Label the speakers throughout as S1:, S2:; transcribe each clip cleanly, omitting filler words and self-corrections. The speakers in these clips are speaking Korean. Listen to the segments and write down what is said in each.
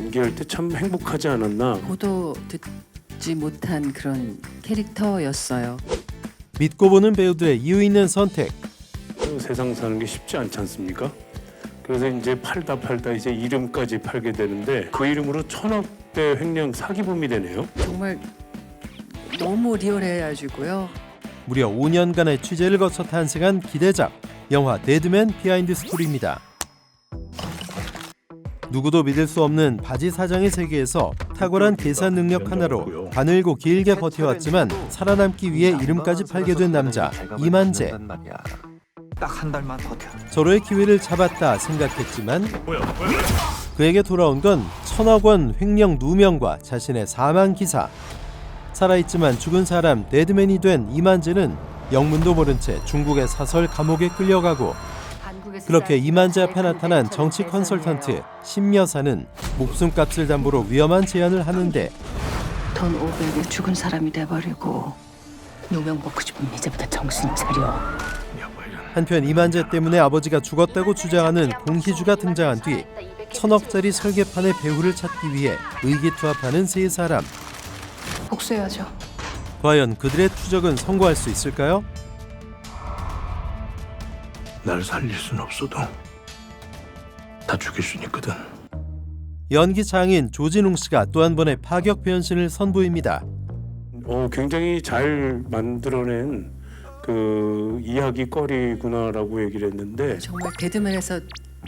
S1: 연기할 때 참 행복하지 않았나.
S2: 보도 듣지 못한 그런 캐릭터였어요.
S3: 믿고 보는 배우들의 이유 있는 선택.
S1: 세상 사는 게 쉽지 않지 않습니까? 그래서 이제 팔다 이제 이름까지 팔게 되는데 그 이름으로 1000억대 횡령 사기범이 되네요.
S2: 정말 너무 리얼해가지고요.
S3: 무려 5년간의 취재를 거쳐 탄생한 기대작 영화 데드맨 비하인드 스토리입니다. 누구도 믿을 수 없는 바지 사장의 세계에서 탁월한 계산 능력 하나로 가늘고 길게 버텨왔지만 살아남기 위해 이름까지 팔게 된 남자 이만재.
S4: 딱 한 달만 버텨.
S3: 서로의 기회를 잡았다 생각했지만 그에게 돌아온 건 1000억 원 횡령 누명과 자신의 사망 기사. 살아있지만 죽은 사람 데드맨이 된 이만재는 영문도 모른 채 중국의 사설 감옥에 끌려가고, 그렇게 이만재 앞에 나타난 정치 컨설턴트 심여사는 목숨값을 담보로 위험한 제안을 하는데
S5: 돈 500에 죽은 사람이 돼버리고 누명 먹고 싶으면 이제부터 정신 차려.
S3: 한편 이만재 때문에 아버지가 죽었다고 주장하는 공희주가 등장한 뒤 1000억짜리 설계판의 배후를 찾기 위해 의기투합하는 세 사람.
S5: 복수해야죠.
S3: 과연 그들의 추적은 성공할 수 있을까요?
S1: 날 살릴 순 없어도 다 죽일 수 있거든.
S3: 연기 장인 조진웅 씨가 또 한 번의 파격 변신을 선보입니다.
S1: 굉장히 잘 만들어낸 그 이야기거리구나라고 얘기를 했는데
S2: 정말 데드맨에서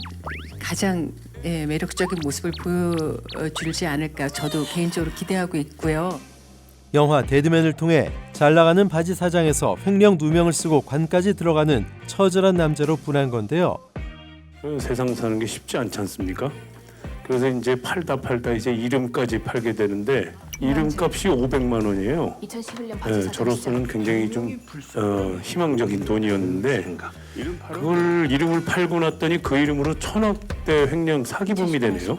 S2: 가장 매력적인 모습을 보여주지 않을까 저도 개인적으로 기대하고 있고요.
S3: 영화 데드맨을 통해 잘 나가는 바지 사장에서 횡령 누명을 쓰고 관까지 들어가는 처절한 남자로 분한 건데요.
S1: 세상 사는 게 쉽지 않지 않습니까? 그래서 이제 팔다 이제 이름까지 팔게 되는데 이름값이 500만 원이에요.
S5: 2011년
S1: 저로서는 굉장히 좀 희망적인 돈이었는데 그걸 이름을 팔고 났더니 그 이름으로 1000억대 횡령 사기범이 되네요.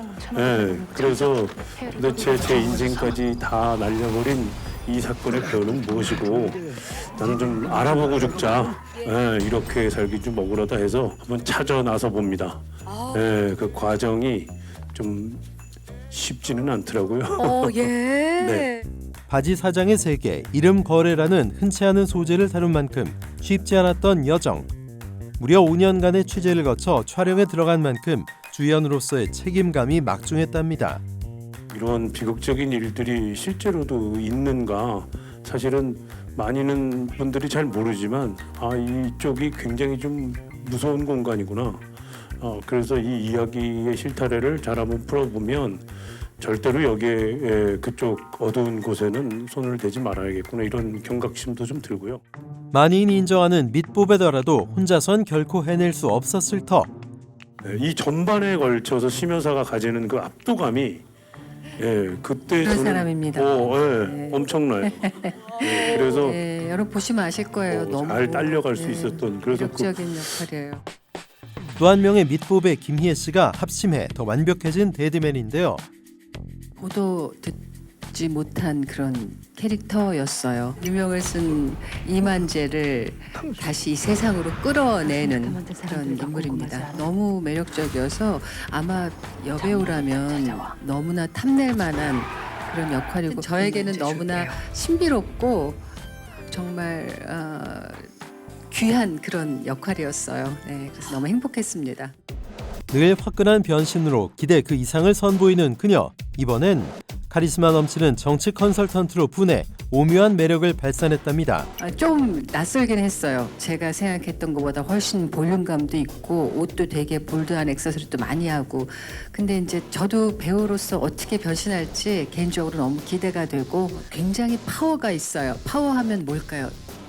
S1: 그래서 도대체 제 인생까지 다 날려버린 이 사건의 배우는 무엇이고 나는 좀 알아보고 죽자. 이렇게 살기 좀 억울하다 해서 한번 찾아 나서 봅니다. 그 과정이 좀 쉽지는 않더라고요.
S2: 예.
S1: 네.
S3: 바지 사장의 세계, 이름 거래라는 흔치 않은 소재를 다룬 만큼 쉽지 않았던 여정. 무려 5년간의 취재를 거쳐 촬영에 들어간 만큼 주연으로서의 책임감이 막중했답니다.
S1: 이런 비극적인 일들이 실제로도 있는가 사실은 많이는 분들이 잘 모르지만 이쪽이 굉장히 좀 무서운 공간이구나. 그래서 이 이야기의 실타래를 잘 한번 풀어보면 절대로 여기에 그쪽 어두운 곳에는 손을 대지 말아야겠구나 이런 경각심도 좀 들고요.
S3: 만인이 인정하는 밑보배더라도 혼자선 결코 해낼 수 없었을 터.
S1: 이 전반에 걸쳐서 심여사가 가지는 그 압도감이 그때
S2: 그런
S1: 저는
S2: 사람입니다.
S1: 엄청나요. 그래서
S2: 여러분 보시면 아실 거예요. 너무
S1: 잘 딸려갈 수 있었던 그래서
S2: 매력적인 역할이에요.
S3: 또 한 명의 밑보배 김희애 씨가 합심해 더 완벽해진 데드맨인데요.
S2: 보도 듣지 못한 그런 캐릭터였어요. 유명을 쓴 이만재를 다시 이 세상으로 끌어내는 그런 인물입니다. 너무 매력적이어서 아마 여배우라면 너무나 탐낼 만한 그런 역할이고 저에게는 너무나 신비롭고 정말 귀한 그런 역할이었어요. 그래서 너무 행복했습니다.
S3: 늘 화끈한 변신으로 기대 그 이상을 선보이는 그녀. 이번엔 카리스마 넘치는 정치 컨설턴트로 분해 오묘한 매력을 발산했답니다.
S2: 좀 낯설긴 했어요. 제가 생각했던 것보다 훨씬 볼륨감도 있고 옷도 되게 볼드한 액세서리도 많이 하고 근데 이제 저도 배우로서 어떻게 변신할지 개인적으로 너무 기대가 되고 굉장히 파워가 있어요. 파워하면 뭘까요?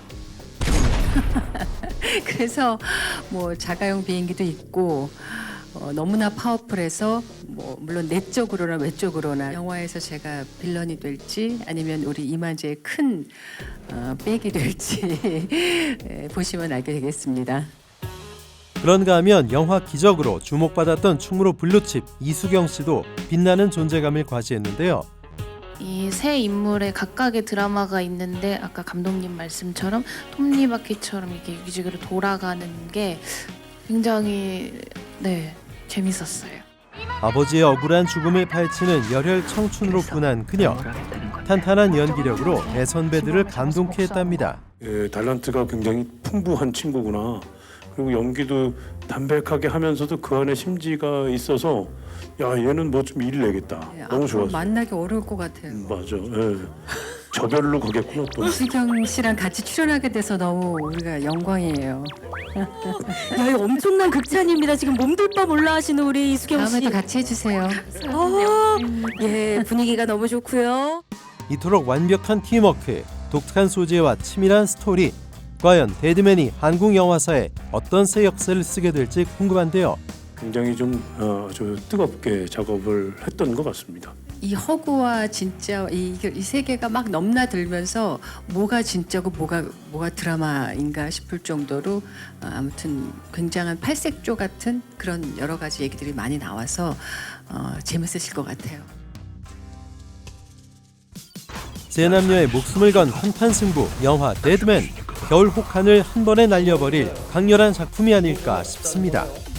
S2: 그래서 뭐 자가용 비행기도 있고 너무나 파워풀해서 뭐 물론 내적으로나 외적으로나 영화에서 제가 빌런이 될지 아니면 우리 이만재의 큰 백이 될지 보시면 알게 되겠습니다.
S3: 그런가 하면 영화 기적으로 주목받았던 충무로 블루칩 이수경 씨도 빛나는 존재감을 과시했는데요.
S6: 이 세 인물의 각각의 드라마가 있는데 아까 감독님 말씀처럼 톱니바퀴처럼 이게 유기적으로 돌아가는 게 굉장히 재밌었어요.
S3: 아버지의 억울한 죽음을 파헤치는 열혈 청춘으로 분한 그녀. 탄탄한 연기력으로 대선배들을 감동케 했답니다.
S1: 예, 탤런트가 굉장히 풍부한 친구구나. 그리고 연기도 담백하게 하면서도 그 안에 심지가 있어서 야 얘는 뭐 좀 일 내겠다. 너무
S2: 앞으로
S1: 좋았어요.
S2: 만나기 어려울 것 같아요.
S1: 맞아. 예. 저별로 가겠구나 또.
S2: 이수경 씨랑 같이 출연하게 돼서 너무 우리가 영광이에요.
S7: 야, 이거 엄청난 극찬입니다. 지금 몸둘바 몰라 하시는 우리 이수경 씨.
S2: 다음에도 같이 해주세요.
S7: 예, 분위기가 너무 좋고요.
S3: 이토록 완벽한 팀워크, 독특한 소재와 치밀한 스토리. 과연 데드맨이 한국 영화사에 어떤 새 역사를 쓰게 될지 궁금한데요.
S1: 굉장히 좀 아주 뜨겁게 작업을 했던 것 같습니다.
S2: 이 허구와 진짜 이 세계가 막 넘나들면서 뭐가 진짜고 뭐가 드라마인가 싶을 정도로 아무튼 굉장한 팔색조 같은 그런 여러 가지 얘기들이 많이 나와서 재밌으실 것 같아요.
S3: 세 남녀의 목숨을 건 한판 승부 영화 데드맨. 겨울 혹한을 한 번에 날려버릴 강렬한 작품이 아닐까 싶습니다.